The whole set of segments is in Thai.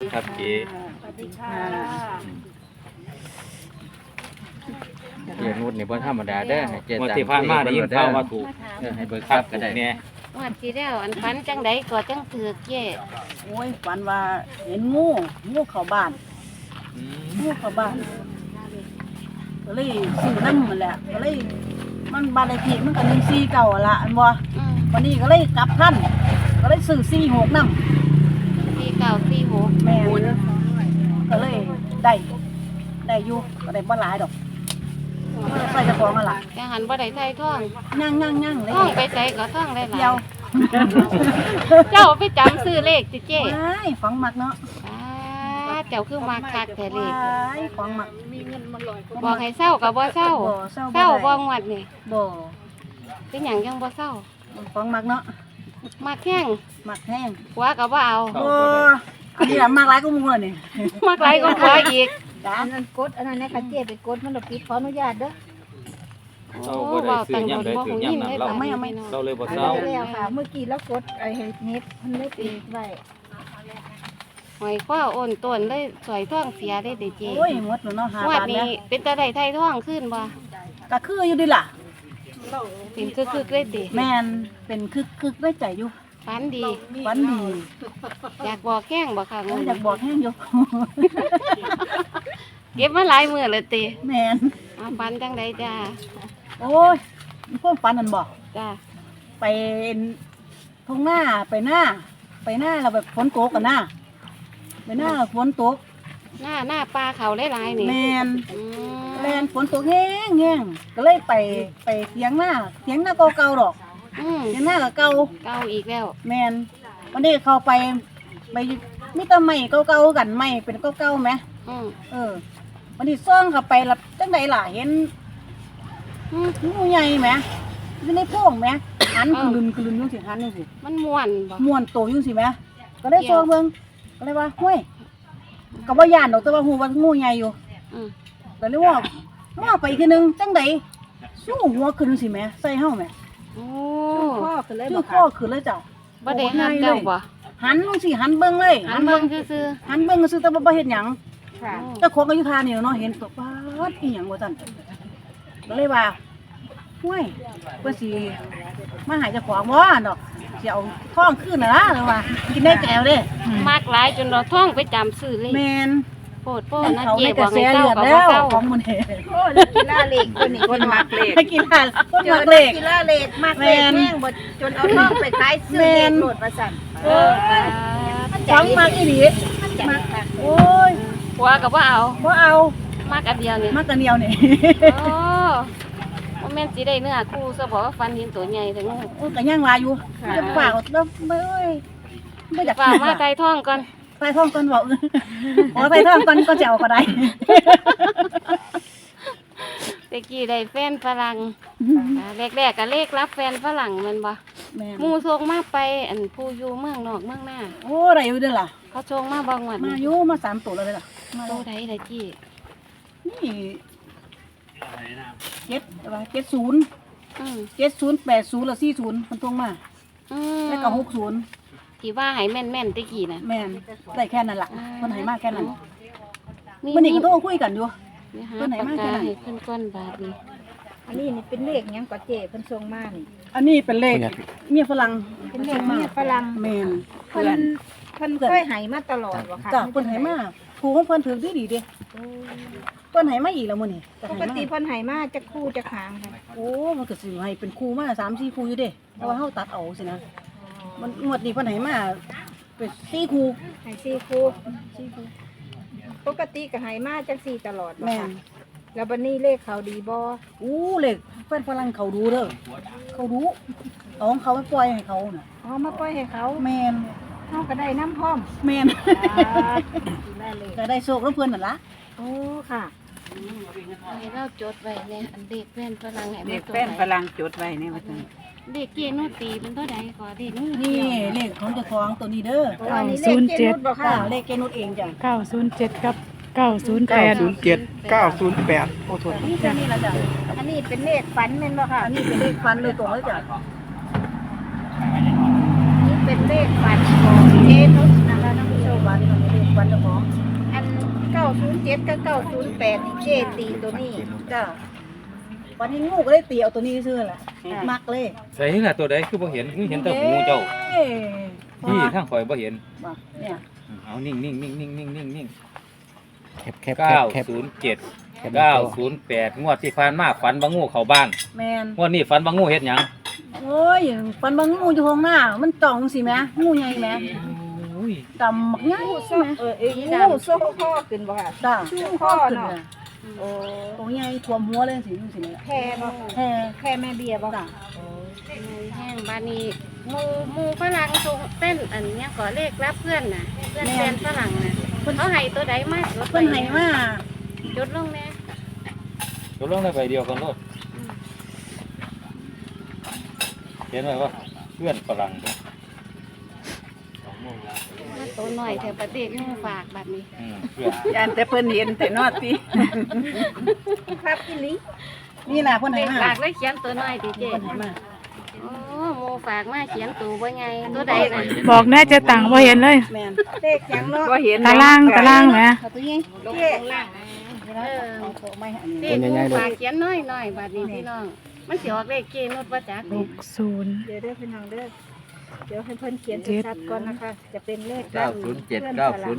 ครับเจ๊สวัสดีค่ะเจนุชนี่บ่ธรรมดาเด้อให้เจงวดตังที่ผ่านมาได้ยินข่าวว่าถูกให้เบิกทรัพย์ก็ได้เนี่ยงวดที่แล้วอันฝันจังไดก็จังถือกเย่โอ้ยฝันว่าเห็นงูเข้าบ้านงูเข้าบ้านก็เลยซื้อน้ำมันแหละก็เลยมันบ้านเลขที่มันก็149ละอันบ่วันนี้ก็เลยกลับทันก็เลยซื้อ46นำที่เก่าที่หกแม่ก็เลยได้อยู่ก็ได้บ่หลายดอกมันใส่เจะของนั่นล่ะแต่หันบ่ได้ใส่ท่องย่างๆเลยท่องไปใส่ก็ท่องได้หลาเดียวยเจ้าไปจำซื้อเลขติเจ้ว้ายฟังมักเนาะเจ้าคือมาคักแต่เลขว้ายฟังมักบอกให้เศร้าก็บ่เศร้าบ่เศร้าเศร้าบ่ได้งวดนี่บ่เป็นหยังยังบ่เศร้าฟังมักเนาะมาแข้งมักแห้งหัวก็บ่เอาบ่อันนี้ล่ะมักหลายก็มู้นี่มักหลายก็หัวอีกจ้าอันนั้นกดอันนั้นนะคะเจ๊ไปกดมันเราปิดขออนุญาตเด้อเราบ่ได้ซื้อย่ำใดถือย่ำนั้นเราเราเลยบ่อันเศร้านั้นแล้วค่ะ เมื่อกี้เรากดไอ้เน็ตมันไม่ปิดไว้หอยคว้าโอนต้นเลยสวยท่องเสียได้ติเจ้โอ้ยหมดแล้วเนาะ5 งวดบาทนี้เนี่ยเป็นตาได้ไทยท่องขึ้นบ่ก็คืออยู่ดิล่ะเป็นคึกๆเลยติแม่นเป็นคึกได้ใจอยู่ฝันดีฝันดีอยากบอกแข้งบ่ค่ะอยากบอกแห้งอยู่เก็บมาหลายมื้อเลยติแม่นเอาฝันจังไดจ้าโอ้ยมีความฝันนั่นบ่จ้าไปทุ่งหน้าไปหน้าแล้วแบบฝนตกกันหน้าไปหน้าฝนตกหน้าปลาเขาหลายๆนี่แม่นอืมแม่นฝนตกแห้งก็เลยไปเถียงหน้าเก่าๆดอกอืมเถียงหน้าก็เก่าเก่าอีกแล้วแม่นวันนี้เข้าไปมีแต่ไม้เก่าๆกันไม้เป็นเก่าๆไหมอืมวันนี้ซ่องเข้าไปแล้วจังไดล่ะเห็นอืมงูใหญ่ไหมอยู่ในโพรงไหมหันกลืนอยู่สิหันอยู่สิมันม่วนบ่ม่วนโตอยู่สิไหมก็เลยซ่องเบิ่งก็เลยว่าห้วยก็บ่ย่านดอกแต่ว่าฮู้ว่างูใหญ่อยู่อืมก็เลยว่าไปอีกทีนึงจังไดสู้หัวขึ้นสิแหมใส่เฮาแหมโอ้พ่อคือเลยชื่บออกข้อค่ะขึ้นเลยจ้ะบ่ได้หักเจ้าบ่หันลงสิหันเบิ่งเลยหันเบิ่งซื่อหันเบิ่งซื่อแต่ว่าบ่เฮ็ดหยังค่ะเจ้าของก็อยู่ทานี่เนาะเห็นตกปาดอีหยังบ่ซั่นก็เลยว่าห้วยเพิ่นสิมาหาเจ้าของบ่ดอกสิเอาทองคืนน่ะล่ะเลยว่ากินได้แก้วเด้ๆมากหลายจนเราท่องไปจำซื้อเลยแม่นโปรดโป้นะเขาเจ๊ในกบระอกแสให้เศร้าเลือดก็แล้บ่วเศร้าของมื้อนี้โอ้นักกีฬาเหล็กคนนี้คนมักเหล็กให้กินทานคนมักเลขกีฬาเหล็กมักเหล็กแม่งบดจนเอาท่องไปขายซื้อเหล็กโหลดประสันเออของมักอีหลีมักค่ะโอ้ยหัวก็บ่เอาบ่เอามากอันเดียวนี่มักกันเดียวนี่โอ้บ่แม่นสิได้เนื้อคู่ซะบ่ว่าฟันเห็นตัวใหญ่ถึงอุ้ยก็ย่างลายอยู่จะฝากแล้วไม่เอ้ยไม่อยากฝากมาไกลท่องก่อนใส่ท่องก่อนบอกอ๋อใส่ท่องก่อนก็จะเอาก็ได้ตะกี้ได้แฟนฝรั่งแรกๆก็เลขรับแฟนฝรั่งแมันบ่แม่หมู่ส่งมาไปอันผู้อยู่เมืองนอกเมืองหน้าโอ้ได้อยู่เด้อล่ะเขาส่งมาบ่งวดมานี้อยู่มา3ตัวแล้วเด้อล่ะมาโตใดล่ะจี้นี่70 อืม 70 80แล้ว40มันตรงมาอืมแล้วก็60 ที่ว่าให้แม่นๆตะกี้น่ะแม่นได้แค่นั้นล่ะมันให้มาแค่นั้นนี่มื้อนี้ก็โทรคุยกันอยู่นี่หาเพิ่นให้ปากมาแค่กานั้นให้เพิ่นก้อนบาทนี่อันนี้นี่เป็นเหล็กยังกว่าเจ๊เพิ่นส่งมานี่อันนี้เป็นเลขเมียฝรั่งเป็นเหล็กเมียฝรั่งแม่นเพิ่นเคยให้มาตลอดบ่ค่ะจ้ะเพิ่นให้มาครูของเพิ่นถือดีๆเด้เพิ่นให้มาอีกแล้วมื้อนี้ปกติเพิ่นให้มาจะคู่จะขางค่ะโอ้มันก็สิให้เป็นครูมา3-4ครูอยู่เด้แต่ว่าเฮาตัดเอาสินะมันงวดนี้เพิ่นให้มาเป็น4ครูให้สี่คู่ปกติก็ให้มาจังสี่ตลอดบ่แม่ค่ะนแล้วบัดนี้เลขเขาดีบ่อู้เลขเพิ่นฝรั่งเขาดูเด้อเขาดูเอาของเขาไปปล่อยให้เขาน่ะอ๋อมาปล่อยให้เขาแม่นเฮาก็ได้น้ำพร้อมแม่นได้เลยก็ได้โชคนำเพิ่นนั่นล่ะโอ้ค่ะให้เราจดไว้เนี่ยอันเด็กแฟนฝรั่งให้เด็มาก ตัวแฟนใดฝรั่งจดไว้นี่ว่าจังเด็กเกียร์โนตีเป็นเท่าใดก่อนเด็กนู่นนี่เลขของเจ้าของตัวนี้เด้อโอ้อันนี้เลขเจนุชบ่จ้าค่ะเลขแกนุดเองจ้ะ 907กับ908 908 โอ้โทษนี่จ้ะนี่ล่ะจ้ะอันนี้เป็นเลขฝันแม่นบ่ค่ะอันนี้เป็นเลขฟันเลยตรงเลยจ้ะนี่เป็นเลขฝันของเจนุชนะคะท่านผู้ชมวันนี้เลขวันเจ้าของอัน907กับ908นี่เจตีตัวนี้จ้าวันนี้งูก็ได้ตีเอาตัวนี้ซื่อแหละมักเลยใส่ล่ะตัวใดคือบ่เห็นคือเห็นแต่หูเจ้าเอ้ยที่ข้างข่อยบ่เห็นบ่เนี่ยเอานิ่งแคบแคบ 907 908งวดที่ผ่านมาฝันว่างูเข้าบ้านแมนงวดนี้ฝันว่างูเฮ็ดหยังโอ้ยฟันบางงูอยู่ห้องหน้ามันจ่องสิแม่งูใหญ่แม่โอ้ยดำมักใหญ่ใช่ไหมงูโซ่ข้อขึ้นบ่ค่ะจ้าชูข้อข้อขึ้นเนาะน่ะโอ้ตัวใหญ่ท่วมหัวเลยสิดูสิเนี่ยแค่บ่แฮ่แค่แม่เบียร์บ่จ้าแห้งบานี้หมูฝรั่งส่งเต้นอันเนี้ยก็เลขรับเพื่อนน่ะเพื่อนแฟนฝรั่งน่ะเขาให้ตัวใดมาจดเพิ่นให้มาจดลงแน่ตัวลงได้ใบเดียวกันโลดเห็นไหมว่าเพื่อนฝรั่งเด้อมาตัวหน่อยแถวประเทศหมูฝากแบบนี้เพื่อนยานแต่เพิ่นเห็นแต่นอดติครับอีหลีนี่แหละเพิ่นเลให้ขมาฝากเลยเขียนตัวหน่อยดิเจเพิ่นให้มาโอ้หมูฝากมาเขียนตัวว่าไงตัวใดน่ะบอกแน่เจะต่างบ่เห็นเลยแม่นเลขหยังเนาะบ่เห็นตารางแหมเอาตัวใหญ่เจ๊เอาตัวไม่อันนี้เลขหมูฝากเขียนน้อยๆบัดนี้พี่น้องมันสิออกเลขเกนุดว่าจักนี่ 60 เดี๋ยวเด้อพี่น้องเด้อเดี๋ยวให้เพิ่นเขียนชัดๆก่อนนะคะ จะเป็นเลข 907 908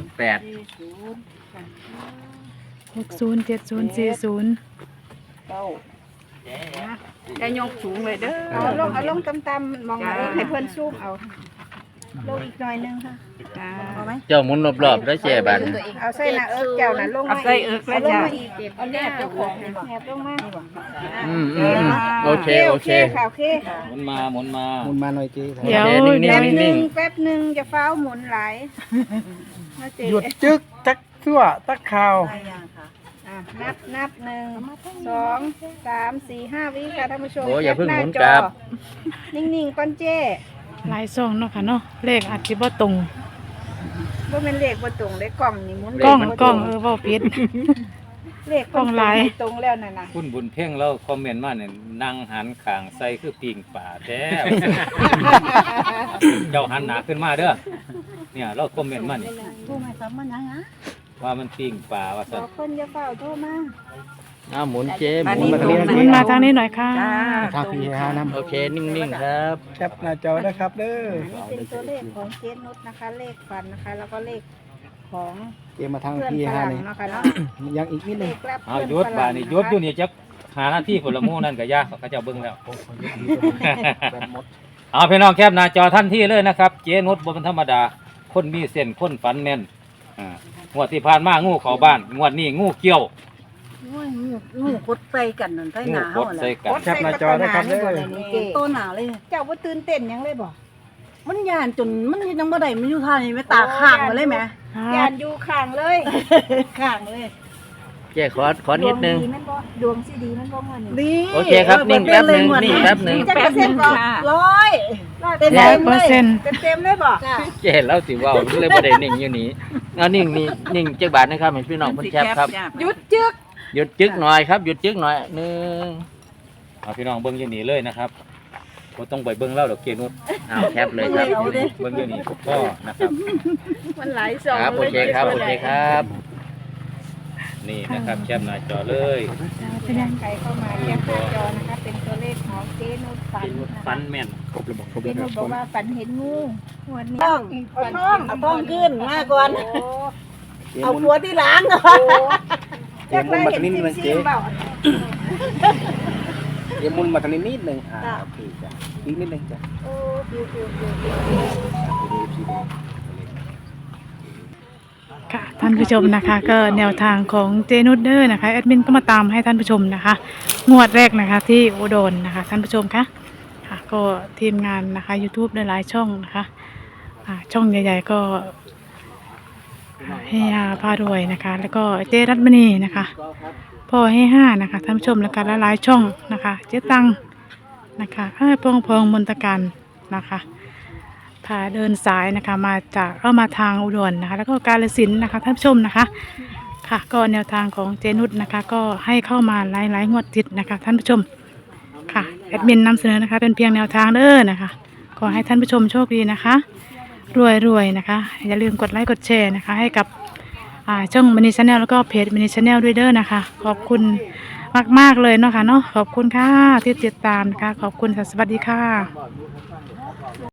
60 70 40 เก้าจะยกสูงเลยเด้อเอาลงต่ำๆมองให้เพิ่นซูมเอาลงอีกหน่อยนึงค่ะเอาไหมเจ้าหมุนรอบๆแล้วเจ๊บัดเอาใส่หน้าเอิกเจ้าน่ะลงเอามาใส่อีกเอิกเอาแล้วลงจ้ะมาอีกเอาแนบเจ้าของแนบลงมาโอเคโอเคค่ะโอเคหมุนมาหมุนมาหมุนมาหน่อยเจ๊เดี๋ยวแป๊บหนึนิ่งงแป๊บหนึงจะฟ้าวหมุนหลายมาเจ๊หยุดจึกจักทั่วตักข่าวได้ยังค่ะนับ1 2 3 4 5วิค่ะท่านผู้ชมโอ้อย่าเพิ่งหมุนแคปกลับหน้าจอนิ่งๆก่อนเจ้หลายซองเนาะค่ะเนาะเลขอาจสิบ่ตรงบ่แม่นเลขบ่ตรงเลขกล่องนี่หมุนกล้องบ่กตล้รองเว้าผิดเลขกล้องหลายตรงแล้วนั่นน่ะคุณบุญเพ่งแล้วคอมเมนต์มาเนี่ยนั่งหันข้างใส่คือปิงป่าแท้ เจ้าหันหนาขึ้นมาเด้อเนี่ยเราคอมเมนต์มานี่ทูไม่ซ้ำมันยังอ่ะว่ามันปิงป่าว่าบซั่นอกคนอย่าเฝ้าโทรมาอ้าวหมุนเจ๊หอันมุนนี้มาตรงมันมาทางนี้หน่อยค่ะจ้าทางพี่ฮานํโอเคนิ่งๆครับแคปหน้าจอนะครับเด้อนี่เป็นตัวเลขของเจนุชนะคะ เลขฟันนะคะ แล้วก็เลขของเจ๊มาทางเพื่อนพี่ฝฮารั่งนี่เนาะค่ะเนาะยังอีกนิดเลนึงขรับเอาเพื่อนหยุดฝบารั่ดงนี่หยุดอยู่นี่จักหาหน้าที่ผลหมู่นั่นก็ยากเขาเจ้าเบิ่งแล้ว เอาพี่น้องแคปหน้าจอทันทีเลยนะครับ เจนุชบ่เป็นธรรมดา คนมีเส้นคนฝันแม่นงวดที่ผ่านมางูเข้าบ้านงวดนี้งูเกี่ยวโอ้ยงูกดใส่กันนั่นใส่หงูนาก เฮาดแหใส่ละกันแคปหน้าจอนะครับเด้อโตหนาเลยเจ้าบ่ตื่นเต้นหยังเลยบ่มันย่านจนมันเฮ็ดจังบ่ได้มันอยู่ท่านี่แม่ตาข้างมาเลยแหม่ยานอยู่ข้างเลยข้างเลยเจ๊ขอนิดนึงดวดีแม่นบ่ดวงสิดีแม่นบ่มื้อนี้ดีโอเคครับนิ่งแป๊บหนึ่งนิ่งแป๊บหนึ่งจักเปอร์เซ็นต์บ่ 100เต็มร้อยๆเปอเลร์ยเซ็นต์เต็มเลยบ่จ้ะเจ๊เล่าสิเว่าเลยบ่ได้นิ่งอยู่นี่เอานิ่งนี่นิ่งจักบาทนะครับให้พี่น้องเพิ่นแคปครับหยุดจึกหยุดจึกหน่อยครับหยุดจึกหน่อยหนึ่งเอาพี่น้องเบิ่งอยู่นี่เลยนะครับบ่ต้องไปเบิ่งแล้วดอกเจนุชเอาแคปเลยครับเบิ่งอยู่นี่ก็นะครับมันหลายซองครับโอเคครับโอเคครับนี่นะครับแคปหน้าจอเลยเป็นยังใครเข้ามาแคปหน้าจอนะคะ เป็นตัวเลขของเจนุชฝันเจนุชนะคะฝันแม่นเจนุชบอกว่าฝันเห็นงูวันนี้ต้องเอาท้องเอาต้องขึ้นมาก่อนโอ้เอาหัวที่หล้างก่อนโหจักได้เห็นซิมๆเปล่าเดี๋ยวมุนมาทางนี้นิดนึงโอเคจ้ะอีกนิดนึงจ้ะโอ้ฟิวค่ะท่านผู้ชมนะคะ ก็แนวทางของเจนุชเดอร์นะคะแอดมินก็มาตามให้ท่านผู้ชมนะคะ งวดแรกนะคะที่อุดรนะคะท่านผู้ชมคะค่ะก็ทีมงานนะคะ YouTube หลายๆช่องนะคะช่องใหญ่ๆก็เฮียพารวยนะคะ แล้วก็เจรัตมณีนะคะพ่อให้5นะคะท่านผู้ชมแล้วก็หลายๆช่องนะคะเจ๊ตังนะคะพองมนตการนะคะพาเดินสายนะคะมาทางอุดรนะคะแล้วก็กาฬสินธุ์นะคะท่านผู้ชมนะคะค่ะก็แนวทางของเจนุชนะคะก็ให้เข้ามาหลายๆงวดติดนะคะท่านผู้ชมค่ะแอดมินนำเสนอนะคะเป็นเพียงแนวทางเด้อนะคะขอให้ท่านผู้ชมโชคดีนะคะรวยๆนะคะอย่าลืมกดไลค์กดแชร์นะคะให้กับช่องมินิชาแนลแล้วก็เพจมินิชาแนลด้วยเด้อนะคะขอบคุณมากๆเลยเนาะค่ะเนาะขอบคุณค่ะที่ติดตามนะคะขอบคุณค่ะสวัสดีค่ะ